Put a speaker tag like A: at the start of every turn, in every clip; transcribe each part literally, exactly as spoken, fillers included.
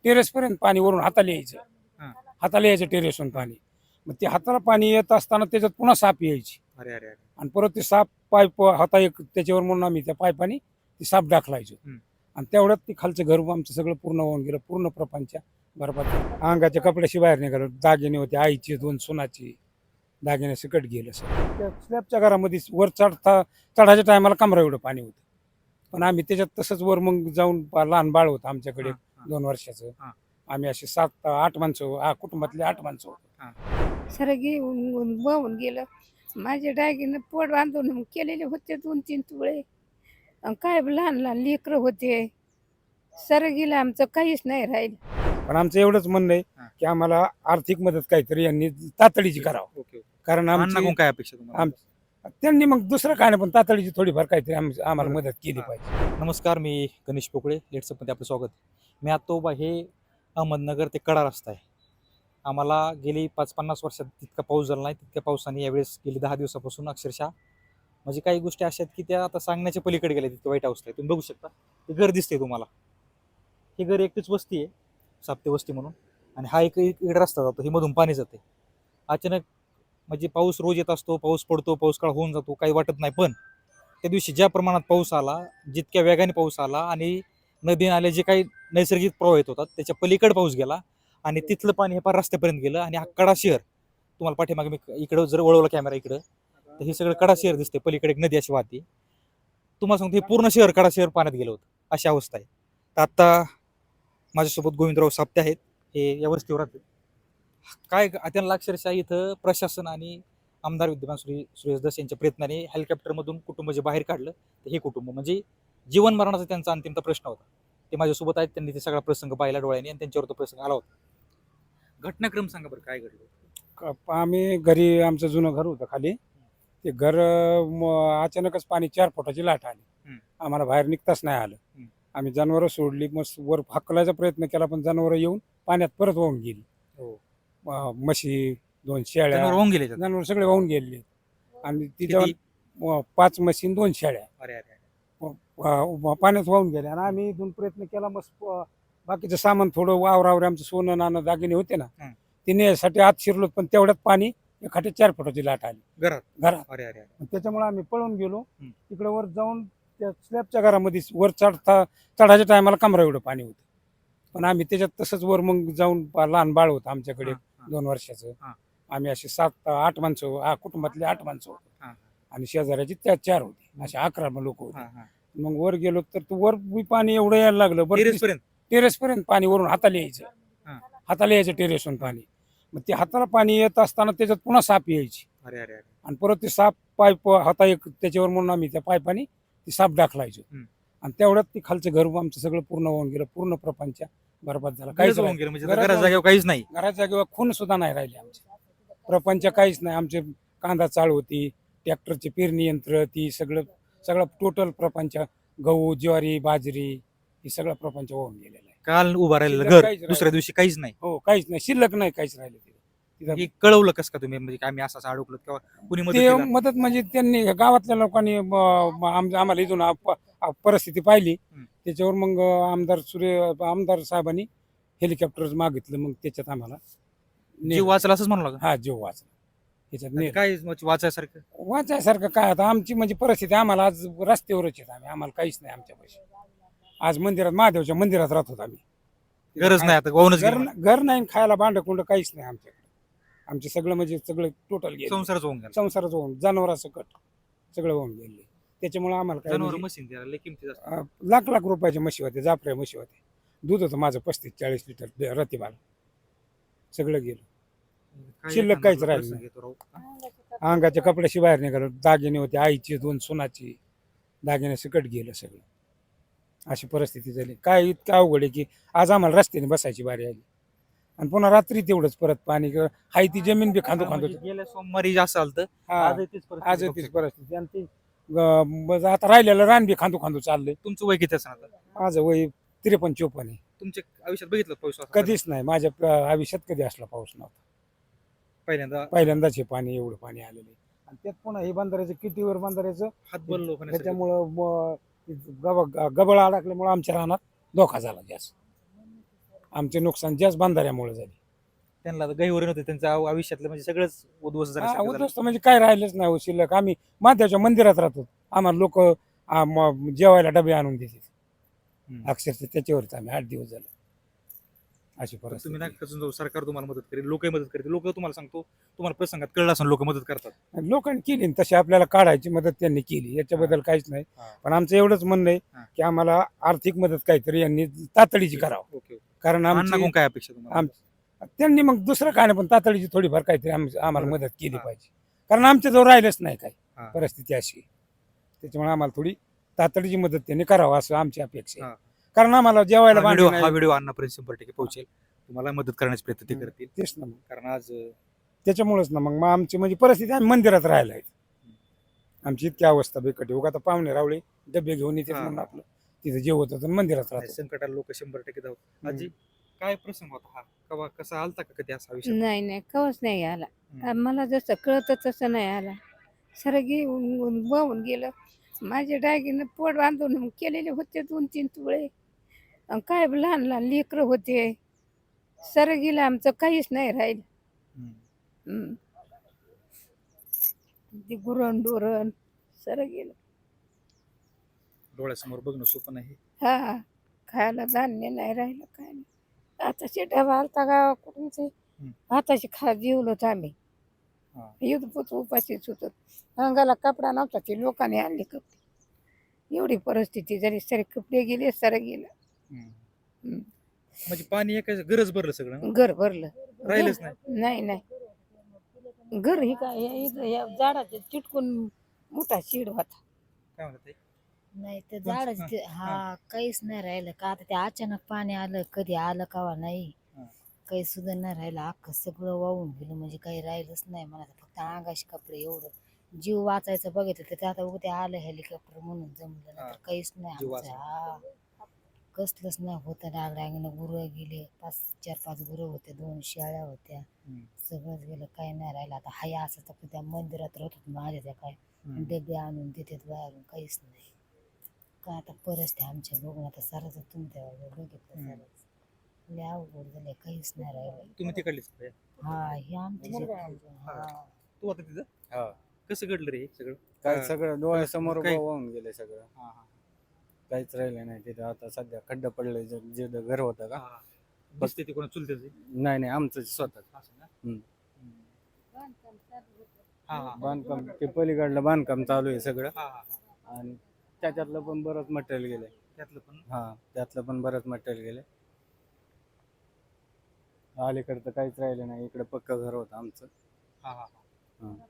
A: टेरेसपर्यंत पाणी वरून हाताला यायचं.
B: हा.
A: हाताला यायचं टेरेसवरून पाणी. मग ते हाताला पाणी येत असताना त्याच्यात पुन्हा साप यायची
B: अरे अरे अरे
A: आणि परत ते साप पाईप हाता एक त्याच्यावर म्हणून आम्ही त्या पाईपाने ती साप टाकलायचो.
B: हम्म.
A: आणि तेवढ्यात ते खालचं घर आमचं सगळं पूर्ण होऊन गेलं. पूर्ण प्रपंच बरबाद झाला. अंगाच्या कपड्याशी बाहेर निघालो. दागिने होते आईची, दोन सोनाची दागिने सकट गेलं सर. त्या स्लॅबच्या घरामध्ये वर चढता चढायच्या टायमाला कमरा एवढं पाणी होतं. पण आम्ही त्याच्यात तसंच वर मग जाऊन पा- लहान बाळ होतं आमच्याकडे
B: हा, हा.
A: दोन वर्षाचं.
B: हा.
A: आम्ही असे सात आठ माणसं आ- कुटुंबातले आठ माणसं होतो.
C: सरगी वाहून गेलं. माझ्या डायगीनं पोट बांधून केलेले होते दोन तीन तुळे. अन काय लहान लहान लेकरं होते. सरगीला आमचं काहीच नाही राहिलं.
A: पण आमचं एवढंच म्हणणं आहे
B: हा.
A: की आम्हाला आर्थिक मदत काहीतरी यांनी तातडीची करावं.
B: Okay okay.
A: कारण
B: अण्णाकडून
A: आमची
B: काय अपेक्षा तुम्हाला?
A: आम त्यांनी मग दुसरं काय नाही पण तातडीची थोडीफार काहीतरी आम- आम्हाला
B: बरं.
A: मदत केली
B: हा.
A: पाहिजे.
B: नमस्कार, मी गणेश पोकळे. लेट्सअपमध्ये आपलं स्वागत. मी आता उभा हे अहमदनगर ते कडा रस्ता आहे. आम्हाला गेली पाच पन्नास वर्षात तितका पाऊस झाला नाही. तितक्या पावसाने यावेळेस गेली दहा दिवसापासून अक्षरशः म्हणजे काही गोष्टी अशा आहेत की त्या आता सांगण्याच्या पलीकडे गेल्या. तितकं वाईट अवस्था आहे. तुम्ही बघू शकता ते घर दिसते तुम्हाला. हे घर एकटीच वस्ती आहे, साप्ते वस्ती म्हणून. आणि हा एक इकडे रस्ता जातो, हे मधून पाणी जाते. अचानक म्हणजे पाऊस रोज येत असतो, पाऊस पडतो, पाऊस काळ होऊन जातो, काही वाटत नाही. पण त्या दिवशी ज्या प्रमाणात पाऊस आला, जितक्या वेगाने पाऊस आला आणि नदी नाले जे काही नैसर्गिक प्रवाह येत होतात त्याच्या पलीकडे पाऊस गेला आणि तिथलं पाणी हे पार रस्त्यापर्यंत गेलं. आणि हा कडा शहर तुम्हाला पाठीमागे मी इकडं जर वळवला कॅमेरा इकडं तर हे सगळं कडा शहर दिसते. पलीकडे एक नदी अशी वाहते. तुम्हाला सांगतो हे पूर्ण शहर कडा शहर पाण्यात गेलं होतं, अशी अवस्था आहे. तर आता माझ्यासोबत गोविंदराव साप्ते आहेत, हे या वस्तीवर राहतात. काय त्यांना अक्षरशः इथं प्रशासन आणि आमदार विद्यमान श्री सुरेश दस यांच्या प्रयत्नाने हेलिकॉप्टरमधून कुटुंब जे बाहेर काढलं तर हे कुटुंब म्हणजे जीवन मरणाचा त्यांचा अंतिमता प्रश्न होता. ते माझ्यासोबत आहेत, त्यांनी ते सगळा प्रसंग पाहिला डोळ्याने आणि त्यांच्यावर तो प्रसंग आला होता. घटनाक्रम सांगा बरं, काय घडलं?
A: क- आम्ही घरी आमचं जुनं घर होतं खाली. ते घर अं, म- अचानकच पाणी चार फुटाची लाट आली.
B: हम्म.
A: आम्हाला बाहेर निघताच नाही आलं.
B: हम्म.
A: आम्ही जनावरं सोडली, मग वर हाकलायचा प्रयत्न केला पण जनावरं येऊन पाण्यात परत वाहून गेली.
B: हो.
A: अं, म्हशी, दोन शेळ्या,
B: जनावर वाहून गेले त्यात.
A: जनावर सगळे वाहून गेले. आणि तिथं
B: किती?
A: पाच म्हशी आणि दोन शेळ्या
B: अरे अरे अरे.
A: अं, पाण्यात वाहून गेल्या. आणि आम्ही इथून प्रयत्न केला, मस्त अं, बाकीचं सामान थोडं वावरावर आमचं सोनं नाणं दागिने होते ना,
B: हम्म.
A: ते नेण्यासाठी आत शिरलो. पण तेवढ्यात पाणी एखाद्या चार फुटाची लाट आली
B: घरात?
A: घरात.
B: अरे अरे अरे.
A: त्याच्यामुळे आम्ही पळून गेलो.
B: हम्म.
A: तिकडे वर जाऊन त्या स्लॅबच्या घरामध्ये वर चढता चढायच्या टायमाला कमरा एवढं पाणी होतं. पण आम्ही त्याच्यात तसंच वर मग जाऊन पा- लहान बाळ होतं आमच्याकडे
B: हा, हा.
A: दोन वर्षाचं.
B: हा.
A: आम्ही असे सात आठ माणसं आ- कुटुंबातले आठ माणसं होतो.
B: हा,
A: आणि शेजाऱ्याची त्या चार होती, असे अकरा लोक होते.
B: हा, हा.
A: मग वर गेलो तर ते वर बी पाणी एवढं यायला लागलं. बरं
B: टेरेस पर्यंत?
A: टेरेसपर्यंत पाणी वरून हाताला यायचं.
B: हा.
A: हाताला यायचं टेरेसवरून पाणी. मग ते हाताला पाणी येत असताना त्याच्यात पुन्हा साप यायची
B: अरे अरे अरे.
A: आणि परत ते साप पाईप हाता एक त्याच्यावर म्हणून आम्ही त्या पाईपाने ती साप टाकलायचो.
B: हम्म.
A: आणि तेवढ्यात ते खालचं घर आमचं सगळं पूर्ण होऊन गेलं. पूर्ण प्रपंच बरबाद झाला.
B: काहीच
A: काहीच
B: वाहून
A: राहिलं.
B: गेलं म्हणजे
A: घरात
B: घराच्या
A: वाहून-
B: जागेवर काहीच नाही.
A: घराच्या किंवा खून सुद्धा नाही राहिले आमचे. प्रपंच काहीच नाही. आमचे कांदा चाळ होती, ट्रॅक्टरचे पेरणी यंत्र, ती सगळं सगळं टोटल प्रपंच, गहू ज्वारी बाजरी हे सगळं प्रपंच होऊन गेलेलं आहे.
B: काल उभा राहिलेलं
A: शिल्लक
B: घर
A: काहीच
B: दुसऱ्या
A: राहिलं.
B: दिवशी काहीच नाही.
A: हो, काहीच नाही, शिल्लक नाही, काहीच राहिलं तिथं. तिथं
B: हे कळवलं कसं का तुम्ही, म्हणजे आम्ही असं असं अडकलो किंवा कुणी मदत
A: ते
B: केली?
A: मदत म्हणजे त्यांनी गावातल्या लोकांनी म- म- आम- आम्हाला इथून आप- आप- परिस्थिती पाहिली.
B: हम्म.
A: त्याच्यावर मग आमदार सूर्य आमदार साहेबांनी हेलिकॉप्टर मागितलं. मग त्याच्यात आम्हाला
B: जीव
A: नेलं.
B: वाचला असंच म्हणू लागला.
A: हा, जीव वाचला त्याच्यात. नेलं.
B: काय म्हणजे वाचायसारखं?
A: वाचायसारखं काय आता आमची म्हणजे परिस्थिती, आम्हाला आज रस्त्यावरच आहेत आम्ही. आम्हाला काहीच नाही आमच्या पैसे. आज मंदिरात महादेवच्या मंदिरात राहत होतो आम्ही.
B: गरज नाही आता, वाहूनच
A: घर
B: गेलं.
A: घर नाही, खायला भांड कुंड काहीच नाही आमच्याकडे. आमचे सगळं म्हणजे सगळं टोटल गेलं.
B: संसारच होऊन गेला.
A: संसाराचं होऊन जनावरासकट सगळं होऊन गेले. त्याच्यामुळे आम्हाला काय
B: जनावर
A: म्हणजे,
B: मशीन द्यायला लय किमती जास्त.
A: अं, लाख लाख रुपयाच्या म्हशी होते, जाफऱ्या म्हशी होते. दूध होतं माझं पस्तीस चाळीस लिटर रतिबाला. सगळं गेलं.
B: काय
A: शिल्लक
B: एखादा
A: काहीच
B: प्रसंग
A: राहिलं नाही.
B: येतो राव.
A: अंगाच्या कपड्याशी बाहेर निघालो. दागिने होते आईची, दोन सोनाची दागिने सकट गेलं सगळं. अशी परिस्थिती झाली. काय इतकं अवघड आहे की आज आम्हाला रस्त्याने बसायची बारी आली. आणि पुन्हा रात्री तेवढंच परत पाणी. हाय ती जमीन बी खांदो खांदो.
B: म्हणजे गेल्या सोमवारी असाल तर
A: हा,
B: आजही तीच परिस्थिती
A: आज
B: बघू
A: तीच
B: शकतो.
A: परिस्थिती. आणि ती अं, बस आता राहिलेलं रान बी खांदो खांदो चाललंय.
B: तुमचं वय किती असणार आता?
A: माझं वय त्रेपन्न चोपन्न आहे.
B: तुमच्या आयुष्यात बघितलं पाऊस असा?
A: कधीच नाही माझ्या प- आयुष्यात कधी असला पाऊस नव्हता.
B: पहिल्यांदा
A: पहिल्यांदाच हे पाणी एवढं पाणी आलेलं आहे. आणि त्यात पुन्हा हे बंधाऱ्याचं कितीवर बंधाऱ्याचं
B: हात बललो होण्यासाठी.
A: त्याच्यामुळं म- गब गबळ अडकल्यामुळं आमच्या रानात धोका झाला जास्त. आमचे नुकसान जास्त बांधाऱ्यामुळे झाले.
B: त्यांना गहिवरे नव्हते, त्यांचं आव- आयुष्यातलं म्हणजे सगळंच उद्ध्वस्त
A: हा,
B: झालं.
A: उद्ध्वस्त म्हणजे काय राहिलंच नाही हो शिल्लक. आम्ही मात्याच्या मंदिरात राहतो, आम्हाला लोक जेवायला डबे आणून देतात
B: हम्म.
A: अक्षरशः, त्याच्यावरच आम्ही आठ दिवस झाले अशी
B: पण तुम्ही
A: परिस्थिती.
B: ना खचून जाऊ, सरकार तुम्हाला मदत करेल, लोकही मदत करतील. लोक तुम्हाला सांगतो, तुम्हाला प्रसंगात कळलं असं लोक मदत करतात.
A: लोकांनी केली न तशी आपल्याला काढायची मदत त्यांनी केली, याच्याबद्दल काहीच नाही.
B: हा.
A: पण आमचं एवढंच म्हणणं आहे
B: हा.
A: की आम्हाला आर्थिक मदत काहीतरी यांनी तातडीची करावं.
B: ओके.
A: कारण आमची
B: अण्णाकडून काय अपेक्षा तुम्हाला?
A: आम त्यांनी मग दुसरं काय नाही, पण तातडीची थोडीफार काहीतरी आम- आम्हाला
B: मदत.
A: मदत केली
B: हा.
A: पाहिजे. कारण आमच्या जवळ राहिलंच नाही काही,
B: हा.
A: परिस्थिती अशी आहे. त्याच्यामुळे आम्हाला थोडी तातडीची मदत त्यांनी करावं असं आमची अपेक्षा आहे.
B: हा.
A: कारण आम्हाला जेवायला
B: हा व्हिडिओ
A: भांडी
B: हा
A: नाही.
B: व्हिडिओ अण्णापर्यंत शंभर टक्के पोहोचेल. तुम्हाला मदत करण्याचा प्रयत्न ते करतील.
A: तेच ना मग,
B: कारण आज अं,
A: त्याच्यामुळेच ना मग मग आमची म्हणजे परिस्थिती, आम्ही मंदिरात राहायला आहे. आमची इतकी अवस्था बेकट आहे. उगा आता पाहुणे रावळे डबे घेऊन येतात
B: हा.
A: म्हणून आपलं तिथं जेवत होतं आणि मंदिरात राहतो.
B: संकटाला लोक शंभर टक्के धावत.
A: हम्म.
B: आजी, काय प्रसंग होता हा? कवा कसा आलता का कधी असा विषय?
C: नाही नाही कवच नाही आला.
B: हम्म.
C: मला जसं कळतं तसं नाही आला. सर घेऊन वाहून गेलं. माझ्या डायगीनं पोट बांधून केलेले होते दोन तीन तुळे. अन काय लहान लहान लेकरं होते. सर गेलं आमचं काहीच नाही राहिलं.
B: हम्म.
C: हम्म. ते गुरण डोरण सर गेलं.
B: डोळ्यासमोर बघणं सोपं नाही.
C: हा, खायला धान्य नाही राहिलं काय नाही. आताशी डबा आलता गावाकडून, आताशी खा जेवलो होतो आम्ही.
B: हा.
C: युद्धपोत उपाशीच होतो. अंगाला कपडा नव्हता, ते लोकांनी आणले कपडे. एवढी परिस्थिती झाली, सरे कपडे गेले, सर गेलं.
B: हम्म.
C: हम्म.
B: म्हणजे पाणी एका गरज भरलं सगळं ना?
C: घर भरलं.
B: राहिलंच नाही.
C: नाही नाही घर ही काय या इथं या झाडाच्या चिटकून मोठा शिड होता.
B: काय म्हणत आहे?
D: नाही तर
B: कोणचं?
D: झाडच
B: हा,
D: ते-
B: हा.
D: हा काहीच नाही राहिलं का आता ते अचानक पाणी आलं, कधी आलं कावा नाही,
B: हा.
D: काही सुद्धा नाही राहिलं. अख्खं सगळं वाहून गेलं, म्हणजे काही राहिलंच नाही. मला तर फक्त अंगाशी कपडे एवढं जीव वाचायचं बघितलं तर ते आता उद्या आलं हेलिकॉप्टर म्हणून जमलं, नाही
B: हा.
D: तर काहीच नाही
B: जीव
D: आमचं. हा कसलंच नाही होतं. डागडागीनं गुरं गेले, पाच चार पाच गुरं होते, दोन शेळ्या होत्या,
B: हम्म.
D: सगळंच गेलं, काही नाही राहिलं. आता हाय असं तर त्या मंदिरात राहत होत माझ्या, त्या काय
B: हम्म.
D: डबे आणून देतात बाहेरून, काहीच नाही. का आता परिस्थिती आमच्या बघून आता सारंच तुमच्या बघितलं,
B: हम्म.
D: सारंच लय अवघड झालंय, काहीच नाही राहिलं.
B: तुम्ही तिकडलीच का?
D: हा हे आमचे
B: मुलगा
D: शेत-
B: आहे.
D: हा
B: तू आता तिथं
E: हा.
B: कसं घडलं रे हे सगळं?
E: काय
B: हा.
E: सगळं डोळ्यासमोर
B: काय?
E: वाहून गेले सगळं.
B: हा, हा.
E: काहीच राहिलं नाही तिथं. आता सध्या खड्डा पडलंय. जे जे घर होतं का,
B: हा. दिसते ते कोणा चुलते
E: नाही नाही आमचं स्वतः
B: असं ना?
E: हम्म.
B: हा, हा.
E: बांधकाम, ते पलीकडलं बांधकाम चालू आहे सगळं.
B: हा, हा, हा.
E: आणि त्याच्यातलं पण बरंच मटेरियल गेलंय.
B: त्यातलं पण
E: हा, त्यातलं पण बरंच मटेरियल गेलंय. अलीकडं तर काहीच राहिलं नाही. इकडे पक्क घर होतं आमचं.
B: हा, हा, हा.
E: हा.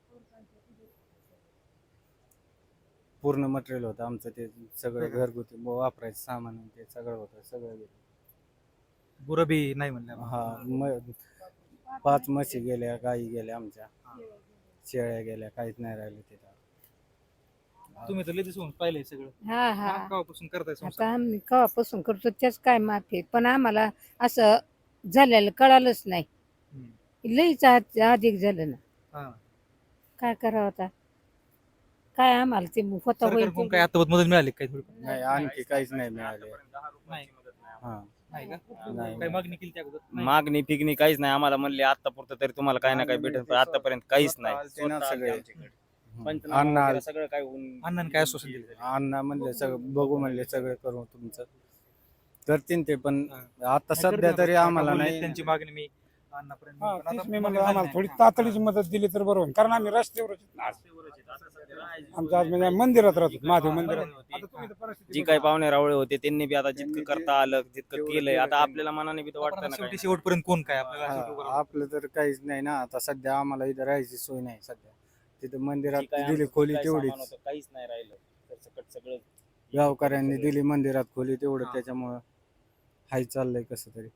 E: पूर्ण मटेरियल होतं आमचं, ते सगळं घरगुती वापरायचं सामान आणि ते सगळं होतं, सगळं गेलं.
B: गुरं बी नाही म्हणलं.
E: हा, म पाच म्हशी गेल्या, गाई गेल्या आमच्या, शेळ्या गेल्या, काहीच नाही राहिलं तिथं.
B: तुम्ही तर लगेच होऊन पाहिलंय सगळं.
C: हा हा
B: हा, केव्हापासून करताय संसार?
C: आता आम्ही केव्हापासून करतो त्याच काय माफी, पण आम्हाला असं झालेलं कळालंच नाही.
B: हम्म.
C: लईच आत- अधिक झालं ना,
B: हा.
C: काय करावं आता. काय आम्हाला ते होता होईल
B: सरकारकडून
C: ते-
B: काय आता मदत मिळाली काय थोडी?
E: नाही, आणखी काहीच नाही मिळाले.
B: नाही.
E: हा,
B: नाही का?
E: नाही.
B: काही मागणी केली त्या अगोदर? नाही.
F: मागणी पिगणी काहीच नाही. आम्हाला म्हणले आतापुरतं तरी तुम्हाला काही ना काही भेटेल, पण आतापर्यंत काहीच नाही.
E: ते ना
F: स्वतः आलते
E: सगळे
F: आमच्याकडे. पंचनामा
E: अण्णा
F: वगैरे सगळं काय होऊन
B: अण्णांनी काय आश्वासन दिलं?
E: अण्णा म्हणले सगळं बघू, म्हणले सगळं करू तुमचं, करतील ते. पण
B: हा.
E: आता
B: नाही,
E: सध्या
B: करते
E: तरी
B: ना.
E: आम्हाला
B: काका बोलले,
E: नाही.
B: त्यांची मागणी मी अण्णापर्यंत
A: हा,
B: पण आता
A: तेच मी
B: मागणी
A: म्हणलं
B: झाली
A: आम्हाला
B: नाही.
A: थोडी
B: हा.
A: तातडीची मदत दिली तर बरोबर, कारण आम्ही रस्त्यावरच आहेत ना आज. आमचं आज म्हणजे मंदिरात राहतो, महादेव मंदिरात. आता तुम्ही तर परिस्थिती
F: जी
A: बघा.
F: काही पाहुणे रावळे होते त्यांनी बी आता जितकं
E: त्यांनी
F: करता आलं तितकं
E: तेवढं
F: केलंय.
E: केलं
F: आता
E: त्यांनी.
F: आपल्याला मनाने बी तर
B: आपण
F: वाटतं
B: आता
F: ना
B: शेवटी
F: काही.
B: शेवटपर्यंत कोण काय आपल्याला शेवटी उभं
E: हा,
B: राहतं.
E: आपलं तर काहीच नाही ना. आता सध्या आम्हाला इथं राहायची सोय नाही. सध्या तिथं
F: जी
E: मंदिरात
F: काही
E: दिली
F: आमचं
E: खोली
F: काही सामान
E: तेवढीच,
F: होतं, काहीच नाही राहिलं. सरसकट सगळं
E: गावकऱ्यांनी दिली मंदिरात खोली तेवढं,
B: हा.
E: त्याच्यामुळं हाय चाललंय कसं तरी.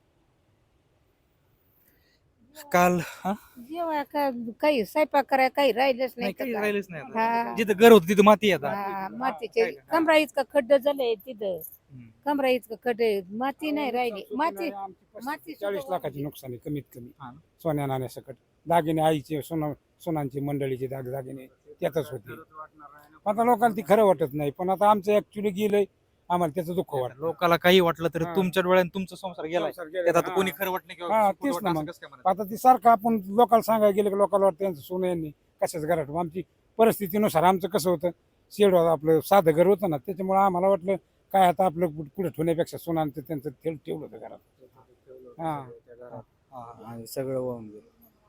B: काल हा?
C: जेव्हा का काही स्वयंपाक करायला काही राहिलंच
B: नाही
C: नाही तर
B: काही
C: काय.
B: राहिलंच नाही आता.
C: हा.
B: जिथं घर होतं तिथं माती आहे आता.
C: हा, मातीचे
B: काय का?
C: कमरा इतका खड्ड झालंय तिथं,
B: हम्म.
C: कमरा इतकं खड्ड आहे. माती नाही राहिली. माती
A: आमची पस्तीस
C: माती
A: चाळीस
C: सुद्धा
A: लाखाची नुकसान आहे कमीत कमी.
B: हा ना.
A: सोन्या नाण्यासकट दागिने, आईचे सोना सोनांची मंडळीचे दाग दागिने त्यातच होते. आता लोकांना ती खरं वाटत नाही, पण आता आमचं ऍक्च्युली गेलंय आम्हाला त्याचं दुःख वाटतं.
B: लोकाला काही वाटलं तर
A: हा.
B: तुमच्या डोळ्यात तुमचा संसार गेलाय
A: संसार गेला.
B: त्यात आता
A: हा.
B: कोणी खरं वाटलं
A: हा,
B: किंवा खोटं
A: तेच
B: वाटलं
A: ना
B: असं
A: मग.
B: कसं काय म्हणायचं?
A: आता ती सारखं आपण लोकांना सांगायला गेलं की लोकांना वाटतं त्यांचं सोनं यांनी कशाच घरात ठेवलं. आमची परिस्थितीनुसार आमचं कसं होतं, शेड होतं आपलं साधं घर होतं ना, त्याच्यामुळे आम्हाला वाटलं काय आता आपलं कुठं कुठं ठेवण्यापेक्षा सोनं आणि ते त्यांचं ठेव- ठेवलं होतं घरात. हा.
E: त्या घरात
B: हा.
E: आणि सगळं वाहून गेलं.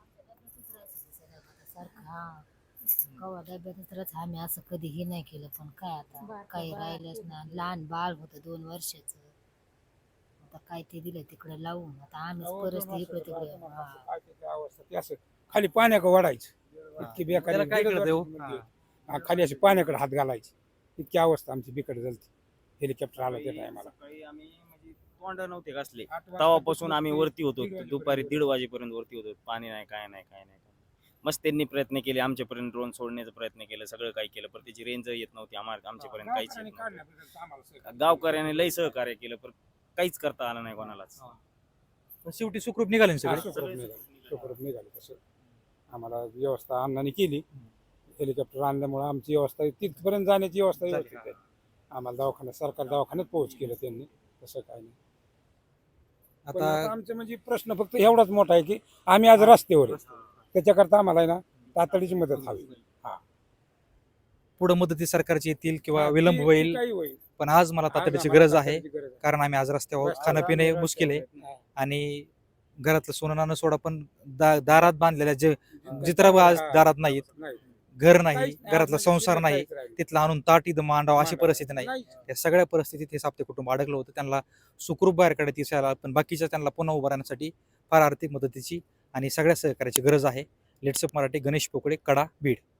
D: सारखं हा कवा डब्यातच तरच आम्ही असं कधीही नाही केलं, पण काय आता काही राहिलंच नाही. लहान बाळ होतं दोन वर्षाचं, आता काय ते दिलं तिकडे लावून, आता आम्हीच परिस्थिती इकडे तिकडे. हा.
A: काय त्याची अवस्था ती असं खाली पाण्याकडे वाढायचं इतकी बेकारी.
B: त्याला काय
A: दीड
B: कळतंय हो?
A: वर्षाची मुलगी. हा, खाली अशी पाण्याकडे हात घालायची इतकी अवस्था आमची बिकट झाली. हेलिकॉप्टर आलं त्या टायमाला.
F: सकाळी आम्ही म्हणजे तोंड नव्हते घासले तेव्हापासून आम्ही वरती होतो दुपारी दीड वाजेपर्यंत वरती होतो. पाणी नाही, काय नाही, काय नाही. मस्त त्यांनी प्रयत्न केले आमच्यापर्यंत ड्रोन सोडण्याचा प्रयत्न केला, सगळं काही केलं, पण त्याची रेंज येत नव्हती आम्हाला, आमच्यापर्यंत काहीच येत नव्हतं. गावकऱ्याने लय सहकार्य केलं पण काहीच करता आलं नाही कोणालाच.
B: पण शेवटी सुखरूप निघाले ना सगळे.
A: सुखरूप निघालं. सुखरूप निघालं तसं आम्हाला व्यवस्था अण्णांनी केली. हेलिकॉप्टर आणल्यामुळे आमची व्यवस्था तिथपर्यंत जाण्याची व्यवस्था व्यवस्थित आहे. आम्हाला दवाखान्यात सरकार दवाखान्यात पोहोच केलं त्यांनी, तसं काय नाही. पण
B: आता
A: आता आमचे म्हणजे प्रश्न फक्त एवढाच मोठा आहे की आम्ही आज रस्त्यावर आहे. त्याच्याकरता आम्हाला आहे ना तातडीची मदत हवी.
B: पुढे मदती सरकारची येतील किंवा
A: हा,
B: विलंब
A: ती- ती
B: होईल,
A: काही होईल.
B: पण आज मला तातडीची
A: आज
B: गरज
A: आम्हाला
B: आहे.
A: तातडीची गरज आहे.
B: कारण आम्ही आज रस्त्यावर
A: रस्त्यावर
B: खाणं पिणे
A: आम्ही
B: मुश्किल आहे
A: रस्त्यावर आहे.
B: आणि घरातलं सोनं नाणं सोडा, पण दा- दारात बांधलेल्या जे जित्र आज दारात नाहीत,
A: नाही.
B: घर नाही,
A: काहीच नाही.
B: घरातला
A: आज
B: संसार
A: म्हणजे
B: नाही,
A: काहीच राहिलं
B: तिथला आणून ताट इथं मांडावं अशी परिस्थिती नाही.
A: नाहीच.
B: या सगळ्या परिस्थितीत हे साप्ते कुटुंब अडकलं होतं. त्यांना सुखरूप बाहेर काढत दिसायला, पण बाकीच्या त्यांना पुन्हा उभं राहण्यासाठी फार आर्थिक मदतीची आणि सगळ्या सहकार्याची गरज आहे. लेट्सअप मराठी, गणेश पोकळे, कडा, बीड.